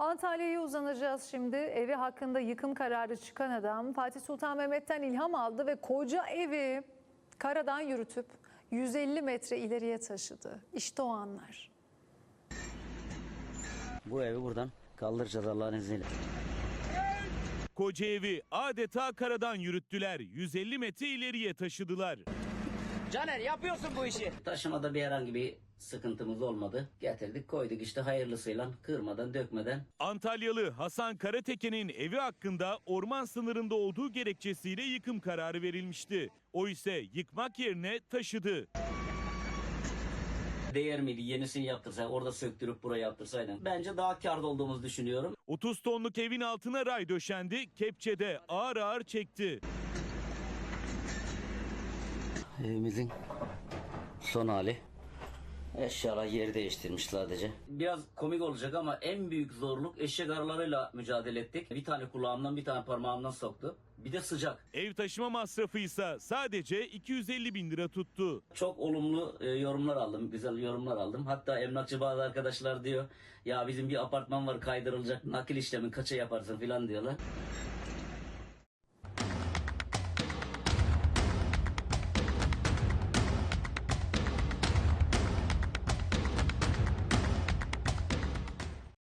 Antalya'ya uzanacağız şimdi. Evi hakkında yıkım kararı çıkan adam Fatih Sultan Mehmet'ten ilham aldı ve koca evi karadan yürütüp 150 metre ileriye taşıdı. İşte o anlar. Bu evi buradan kaldıracağız Allah'ın izniyle. Koca evi adeta karadan yürüttüler. 150 metre ileriye taşıdılar. Caner yapıyorsun bu işi. Taşımada bir herhangi bir sıkıntımız olmadı. Getirdik koyduk işte hayırlısıyla, kırmadan dökmeden. Antalyalı Hasan Karateke'nin evi hakkında orman sınırında olduğu gerekçesiyle yıkım kararı verilmişti. O ise yıkmak yerine taşıdı. Değer miydi yenisini yaptırsa, orada söktürüp buraya yaptırsaydın? Bence daha kârda olduğumuzu düşünüyorum. 30 tonluk evin altına ray döşendi, kepçede ağır ağır çekti. Evimizin son hali. Eşyalar yeri değiştirmiş sadece. Biraz komik olacak ama en büyük zorluk eşek arılarıyla mücadele ettik. Bir tane kulağımdan bir tane parmağımdan soktu. Bir de sıcak. Ev taşıma masrafı ise sadece 250 bin lira tuttu. Çok olumlu yorumlar aldım. Güzel yorumlar aldım. Hatta emlakçı bazı arkadaşlar diyor ya bizim bir apartman var kaydırılacak nakil işlemi kaça yaparsın filan diyorlar.